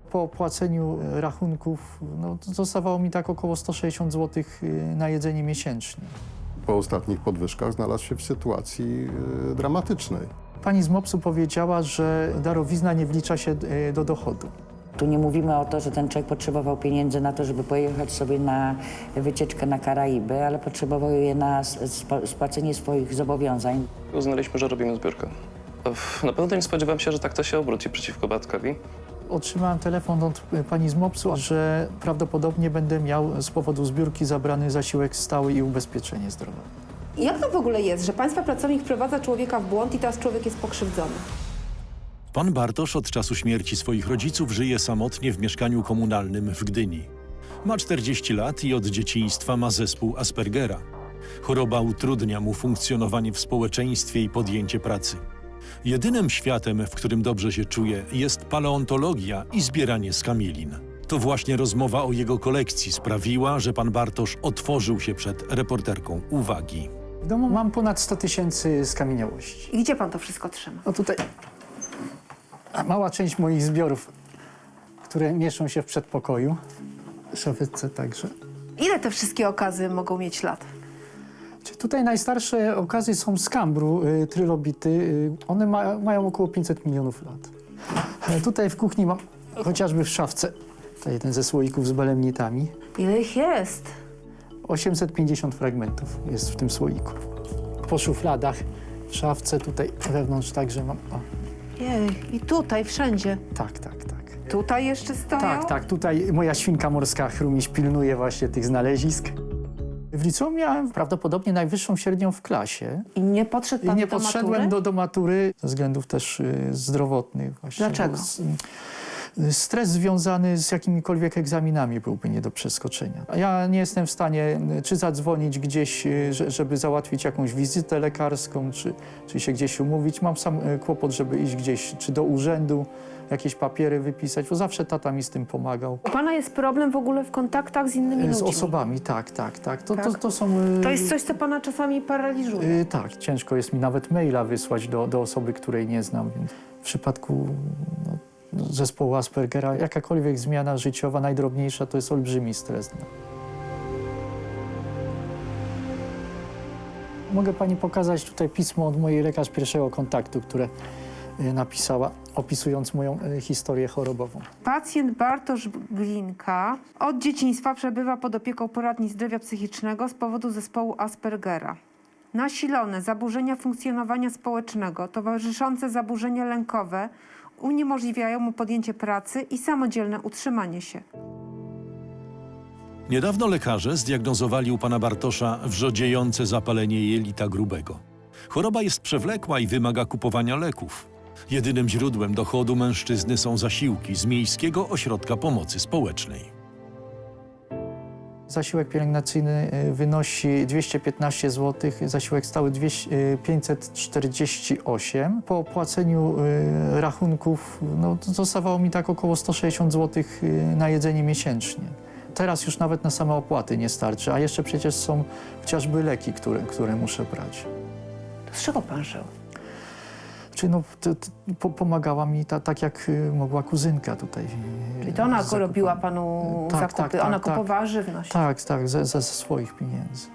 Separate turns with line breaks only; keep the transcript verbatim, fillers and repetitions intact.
Po opłaceniu rachunków no, zostawało mi tak około sto sześćdziesiąt złotych na jedzenie miesięcznie.
Po ostatnich podwyżkach znalazł się w sytuacji y, dramatycznej.
Pani z MOPS-u powiedziała, że darowizna nie wlicza się y, do dochodu.
Tu nie mówimy o to, że ten człowiek potrzebował pieniędzy na to, żeby pojechać sobie na wycieczkę na Karaiby, ale potrzebował je na sp- spłacenie swoich zobowiązań.
Uznaliśmy, że robimy zbiórkę. Na pewno nie spodziewałem się, że tak to się obróci przeciwko Bartkowi.
Otrzymałem telefon od pani z MOPS-u, że prawdopodobnie będę miał z powodu zbiórki zabrany zasiłek stały i ubezpieczenie zdrowotne.
Jak to w ogóle jest, że państwa pracownik wprowadza człowieka w błąd i teraz człowiek jest pokrzywdzony?
Pan Bartosz od czasu śmierci swoich rodziców żyje samotnie w mieszkaniu komunalnym w Gdyni. Ma czterdzieści lat i od dzieciństwa ma zespół Aspergera. Choroba utrudnia mu funkcjonowanie w społeczeństwie i podjęcie pracy. Jedynym światem, w którym dobrze się czuje, jest paleontologia i zbieranie skamielin. To właśnie rozmowa o jego kolekcji sprawiła, że pan Bartosz otworzył się przed reporterką uwagi.
W domu mam ponad sto tysięcy skamieniałości.
I gdzie pan to wszystko trzyma?
No tutaj mała część moich zbiorów, które mieszczą się w przedpokoju, w szafce także.
Ile te wszystkie okazy mogą mieć lat?
Tutaj najstarsze okazy są z Kambru, y, trylobity. Y, one ma, mają około pięćset milionów lat. E, tutaj w kuchni mam chociażby w szafce, tutaj jeden ze słoików z belemnitami.
Ile ich jest?
osiemset pięćdziesiąt fragmentów jest w tym słoiku. Po szufladach, w szafce, tutaj wewnątrz także mam. O,
Jej, i tutaj, wszędzie.
tak, tak, tak.
Tutaj jeszcze stoją?
Tak, tak. Tutaj moja świnka morska Chrumiś pilnuje właśnie tych znalezisk. W liceum miałem prawdopodobnie najwyższą średnią w klasie.
I nie podszedł
I
pan
nie
do
podszedłem
matury?
do, do matury ze względów też y, zdrowotnych. Właśnie,
Dlaczego?
bo z- y, Stres związany z jakimikolwiek egzaminami byłby nie do przeskoczenia. A ja nie jestem w stanie y, czy zadzwonić gdzieś, y, że- żeby załatwić jakąś wizytę lekarską, czy, czy się gdzieś umówić. Mam sam y, kłopot, żeby iść gdzieś, czy do urzędu, jakieś papiery wypisać, bo zawsze tata mi z tym pomagał.
U pana jest problem w ogóle w kontaktach z innymi
Y,
ludźmi?
Z osobami, tak, tak, tak. To, to,
Tak?
to są... y,
To jest coś, co pana czasami paraliżuje.
Y, tak, ciężko jest mi nawet maila wysłać do, do osoby, której nie znam. Więc w przypadku no, zespołu Aspergera jakakolwiek zmiana życiowa, najdrobniejsza, to jest olbrzymi stres. No. Mogę pani pokazać tutaj pismo od mojej lekarz pierwszego kontaktu, które y, napisała, opisując moją y, historię chorobową.
Pacjent Bartosz Glinka od dzieciństwa przebywa pod opieką poradni zdrowia psychicznego z powodu zespołu Aspergera. Nasilone zaburzenia funkcjonowania społecznego, towarzyszące zaburzenia lękowe uniemożliwiają mu podjęcie pracy i samodzielne utrzymanie się.
Niedawno lekarze zdiagnozowali u pana Bartosza wrzodziejące zapalenie jelita grubego. Choroba jest przewlekła i wymaga kupowania leków. Jedynym źródłem dochodu mężczyzny są zasiłki z Miejskiego Ośrodka Pomocy Społecznej.
Zasiłek pielęgnacyjny y, wynosi dwieście piętnaście złotych, zasiłek stały dwieście, y, pięćset czterdzieści osiem. Po opłaceniu y, rachunków no, to zostawało mi tak około sto sześćdziesiąt złotych y, na jedzenie miesięcznie. Teraz już nawet na same opłaty nie starczy, a jeszcze przecież są chociażby leki, które, które muszę brać.
Z czego pan żył?
Czyli no, to, to, po, pomagała mi ta, tak jak y, mogła kuzynka tutaj. y,
Czyli to ona
z zakupami.
robiła panu
Tak,
zakupy,
tak, tak,
ona
tak.
kupowała żywność.
Tak, tak, ze, ze swoich pieniędzy.